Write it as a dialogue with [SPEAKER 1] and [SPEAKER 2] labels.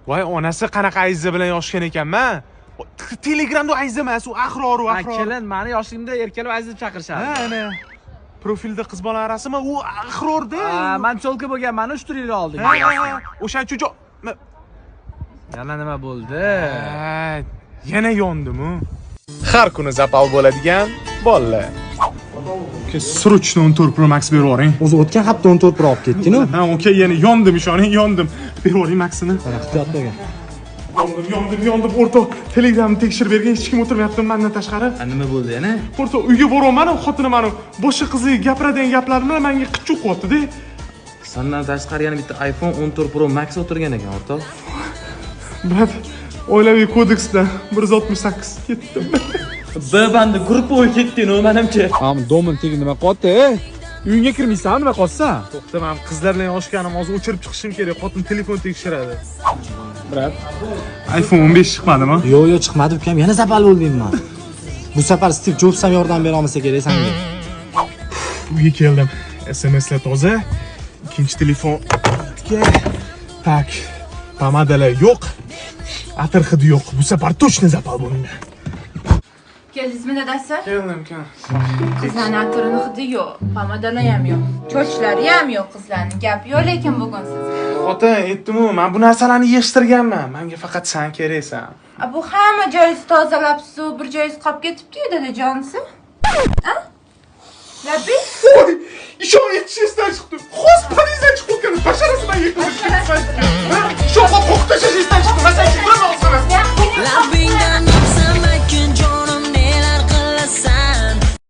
[SPEAKER 1] Voy, onasi qanaqa ayza bilan yoshgan ekanman. Telegramda ayza emas, u Ahror.
[SPEAKER 2] Kelin, meni yoshligimda erkalab aziz deb chaqirishadi.
[SPEAKER 1] Ha, ana. Profilda qiz bola rasmi, u Ahrorda.
[SPEAKER 2] Men cholka bo'lganman 3 yil oldin.
[SPEAKER 1] Ha, o'shancha
[SPEAKER 2] Yana nima bo'ldi?
[SPEAKER 1] Yana yondim-ku. Har kuni zapal bo'ladigan bolalar. Sruchni 14 Pro Max berib yuboring.
[SPEAKER 3] O'zi o'tgan hafta 14 Pro olib ketding-ku.
[SPEAKER 1] Ha, okey, yana yondim, ishoning, yondim. Berib yuboring Maxini.
[SPEAKER 3] Ehtiyot bo'lgin.
[SPEAKER 1] Yondim, o'rtoq. Telegramni tekshirib bergan hech kim o'tirmayapti mendan tashqari.
[SPEAKER 2] Nima bo'ldi yana?
[SPEAKER 1] O'rtoq, uyga boryapman, xotinim meni boshqa qiziga gapiradigan gaplarini menga qichib qo'yapti-da.
[SPEAKER 2] Sandan tashqari yana bitta iPhone 14 Pro Max o'tirgan ekan, o'rtoq.
[SPEAKER 1] Brat, oilaviy kodeks bilan 168 ketdim.
[SPEAKER 2] B-bandi guruh bo'yi ketding-ku, menimcha.
[SPEAKER 3] Domin tegi nima qotdi? Uyingga kirmaysan, nima qolsa?
[SPEAKER 1] To'xta, men qizlar bilan yoshganim, hozir o'chirib chiqishim kerak. Xotin telefon tekshiradi.
[SPEAKER 3] Brat,
[SPEAKER 1] iPhone 15 chiqmadimi?
[SPEAKER 3] Yo'q, chiqmadi ukam. Yana zapal bo'ldingmi? Bu safar Steve Jobs ham yordam bera olmasa kerak senga.
[SPEAKER 1] Uyga keldim. SMSlar toza. Ikkinchi telefon. Tak. Pomadalar yo'q. Atir hidi yo'q. Bu safar точно zapal bo'lmayman.
[SPEAKER 4] Keldingizmi dadasi?
[SPEAKER 1] Keldim.
[SPEAKER 4] Qizlarning atirini hidi yo'q, pomadalar ham yo'q, chochlari ham yo'q qizlarning. Gap yo'q lekin bugun sizga.
[SPEAKER 1] Xotin, aytdim-ku, men bu narsalarni yig'ishtirganman. Menga faqat sen keraksan.
[SPEAKER 4] Bu hamma joyingizni tozalabsiz, bir joyingiz qolib ketibdi-yu dadajonisi. Ha? Labbi?
[SPEAKER 1] Voy, ishon yetishishdan chiqdi. Xos politsiya chiqib ketgan. Basharasidan yetib. Shoqqa qo'qtashish chiqdi.